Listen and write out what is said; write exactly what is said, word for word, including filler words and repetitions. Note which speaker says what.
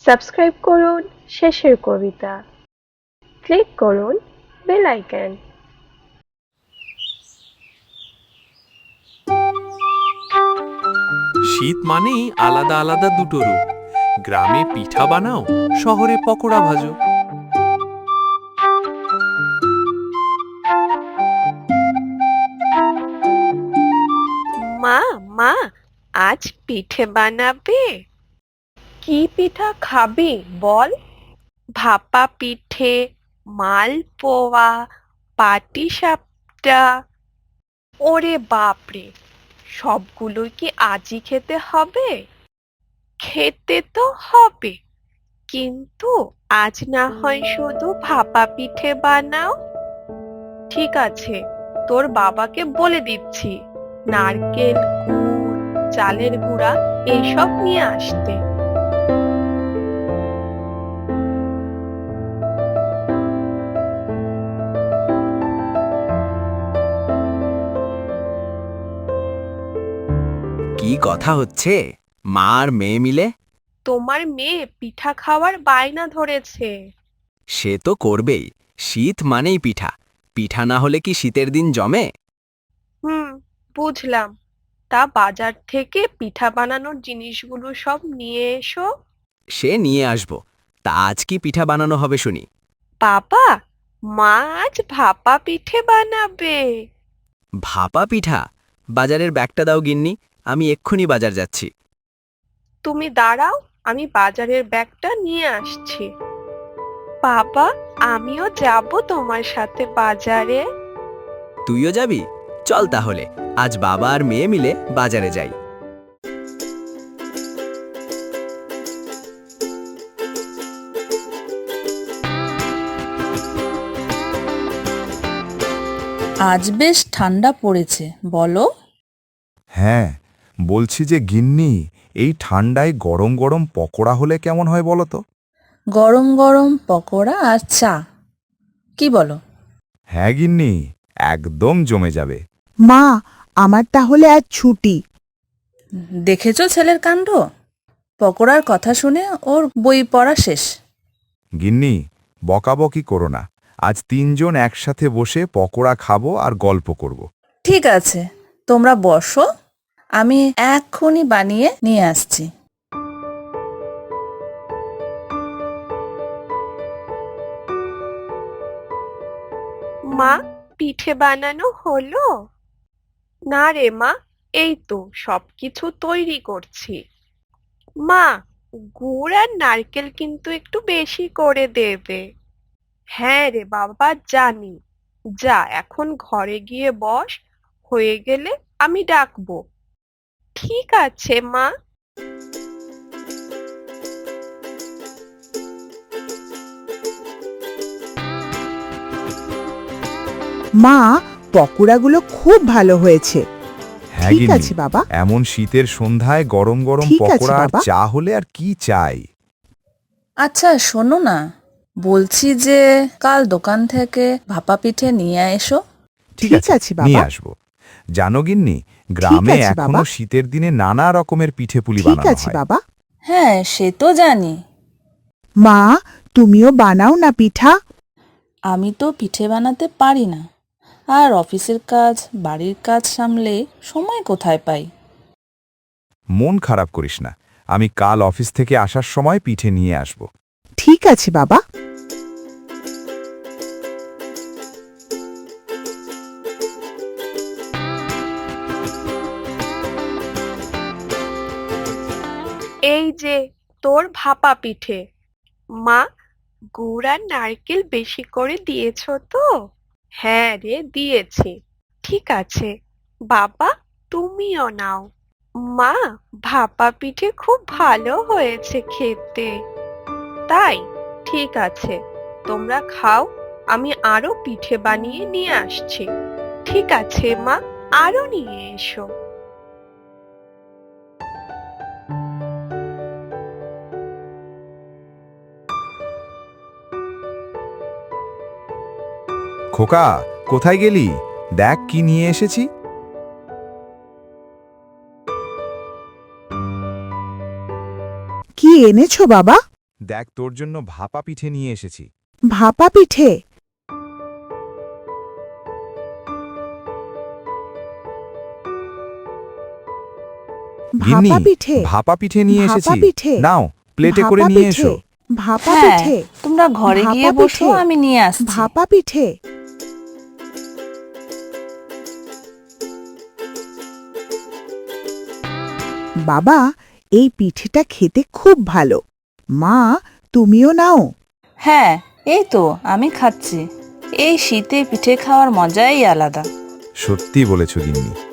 Speaker 1: Subscribe করুন শেষের কবিতা, ক্লিক করুন বেল আইকন।
Speaker 2: শীত মানেই আলাদা আলাদা দুটো রূপ। গ্রামে পিঠা বানাও, শহরে পকোড়া ভাজো।
Speaker 3: মা মা আজ পিঠে বানাবে? কি পিঠা খাবি বল? ভাপা পিঠে, মালপোয়া, পাটিসাপটা। ওরে বাপরে, সবগুলোই কি আজই খেতে হবে? খেতে তো হবে, কিন্তু আজ না হয় শুধু ভাপা পিঠে বানাও। ঠিক আছে, তোর বাবাকে বলে দিচ্ছি নারকেল, গুড়, চালের গুঁড়া এইসব নিয়ে আসতে।
Speaker 4: কি কথা হচ্ছে মা আর মেয়ে মিলে?
Speaker 3: তোমার মেয়ে পিঠা খাওয়ার বায়না ধরেছে।
Speaker 4: সে তো করবেই, শীত মানেই পিঠা। পিঠা না হলে কি শীতের দিন জমে?
Speaker 3: হুম, বুঝলাম। তা বাজার থেকে পিঠা বানানোর জিনিসগুলো সব নিয়ে এসো।
Speaker 4: সে নিয়ে আসবো। তা আজ কি পিঠা বানানো হবে শুনি?
Speaker 3: বাবা, মা আজ ভাপা পিঠে বানাবে।
Speaker 4: ভাপা পিঠা? বাজারের ব্যাগটা দাও গিন্নি, আমি এক্ষুনি বাজার যাচ্ছি।
Speaker 3: তুমি দাঁড়াও, আমি বাজারের ব্যাগটা নিয়ে আসছি। বাবা, আমিও যাব তোমার সাথে বাজারে।
Speaker 4: তুইও যাবি? চল তাহলে আজ বাবা আর মেয়ে মিলে বাজারে যাই।
Speaker 5: আজ বেশ ঠান্ডা পড়েছে, বলো?
Speaker 6: হ্যাঁ, বলছি যে গিন্নি, এই ঠান্ডায় গরম গরম পকোড়া হলে কেমন হয় বলো তো?
Speaker 5: গরম গরম পকোড়া আর চা, কি বলো?
Speaker 6: হ্যাঁ গিন্নি, একদম জমে যাবে।
Speaker 7: মা, আমার তাহলে আজ ছুটি।
Speaker 5: দেখেছো ছেলের কাণ্ড? পকোড়ার কথা শুনে ওর বই পড়া শেষ।
Speaker 6: গিন্নি, বকাবকি করো না। আজ তিনজন একসাথে বসে পকোড়া খাবো আর গল্প করব।
Speaker 5: ঠিক আছে, তোমরা বসো, আমি এক্ষুনি বানিয়ে নিয়ে আসছি।
Speaker 3: মা, পিঠে বানানো হলো? না রে মা, এই তো সবকিছু তৈরি করছি। মা, গুড় আর নারকেল কিন্তু একটু বেশি করে দেবে। হ্যাঁ রে বাবা, জানি। যা এখন ঘরে গিয়ে বস, হয়ে গেলে আমি ডাকবো। ঠিক আছে মা।
Speaker 7: মা, পকোড়াগুলো খুব ভালো হয়েছে।
Speaker 6: হ্যাঁ
Speaker 7: ঠিক
Speaker 6: গিন্নি,
Speaker 7: আছে বাবা।
Speaker 6: এমন শীতের সন্ধ্যায় গরম গরম
Speaker 7: ঠিক আছে
Speaker 6: পকোড়া আর
Speaker 7: বাবা।
Speaker 6: চা হলে আর কি চাই।
Speaker 5: আচ্ছা শোনো না, বলছি যে কাল দোকান থেকে ভাপা পিঠে নিয়ে এসো।
Speaker 6: ঠিক
Speaker 7: ঠিক
Speaker 6: আছে,
Speaker 7: আছে বাবা।
Speaker 6: নিয়ে আসবো। জানো গিন্নি, গ্রামে
Speaker 7: আছে
Speaker 6: এখনো
Speaker 7: বাবা।
Speaker 6: শীতের দিনে নানা রকমের পিঠে পুলি
Speaker 7: ঠিক
Speaker 6: বানানো
Speaker 7: আছে
Speaker 6: হয়।
Speaker 7: বাবা।
Speaker 5: হ্যাঁ সে তো জানি।
Speaker 7: মা, তুমিও বানাও না পিঠা।
Speaker 5: আমি তো পিঠে বানাতে পারি না, আর অফিসের কাজ, বাড়ির কাজ সামলে সময় কোথায় পাই?
Speaker 6: মন খারাপ করিস না, আমি কাল অফিস থেকে আসার সময় পিঠে নিয়ে আসব।
Speaker 7: ঠিক আছে বাবা।
Speaker 3: এই যে তোর ভাপা পিঠে। মা, গুড় আর নারকেল বেশি করে দিয়েছো তো? হ্যাঁ রে, দিয়েছি। ঠিক আছে বাবা, তুমিও নাও। মা, ভাপা পিঠে খুব ভালো হয়েছে খেতে। তাই? ঠিক আছে, তোমরা খাও, আমি আরো পিঠে বানিয়ে নিয়ে আসছি। ঠিক আছে মা, আরো নিয়ে এসো।
Speaker 6: খোকা, কোথায় গেলি? দেখ কি নিয়ে এসেছি।
Speaker 7: কি এনেছো বাবা?
Speaker 6: দেখ তোর জন্য ভাপা পিঠে নিয়ে এসেছি।
Speaker 7: ভাপা পিঠে?
Speaker 6: গিন্নি,
Speaker 7: ভাপা পিঠে?
Speaker 6: ভাপা পিঠে নিয়ে
Speaker 7: ভাপা
Speaker 6: এসেছি।
Speaker 7: পিঠে?
Speaker 6: নাও, প্লেটে করে
Speaker 7: ভাপা
Speaker 6: নিয়ে
Speaker 7: পিঠে?
Speaker 6: এসো।
Speaker 7: ভাপা
Speaker 5: হ্যাঁ
Speaker 7: পিঠে?
Speaker 5: তোমরা ঘরে
Speaker 7: ভাপা
Speaker 5: গিয়ে বসো,
Speaker 7: পিঠে?
Speaker 5: আমি নিয়ে আসছি।
Speaker 7: ভাপা পিঠে? বাবা, এই পিঠেটা খেতে খুব ভালো। মা, তুমিও নাও।
Speaker 5: হ্যাঁ এই তো আমি খাচ্ছি। এই শীতে পিঠে খাওয়ার মজাই আলাদা।
Speaker 6: সত্যি বলেছ গিন্নি।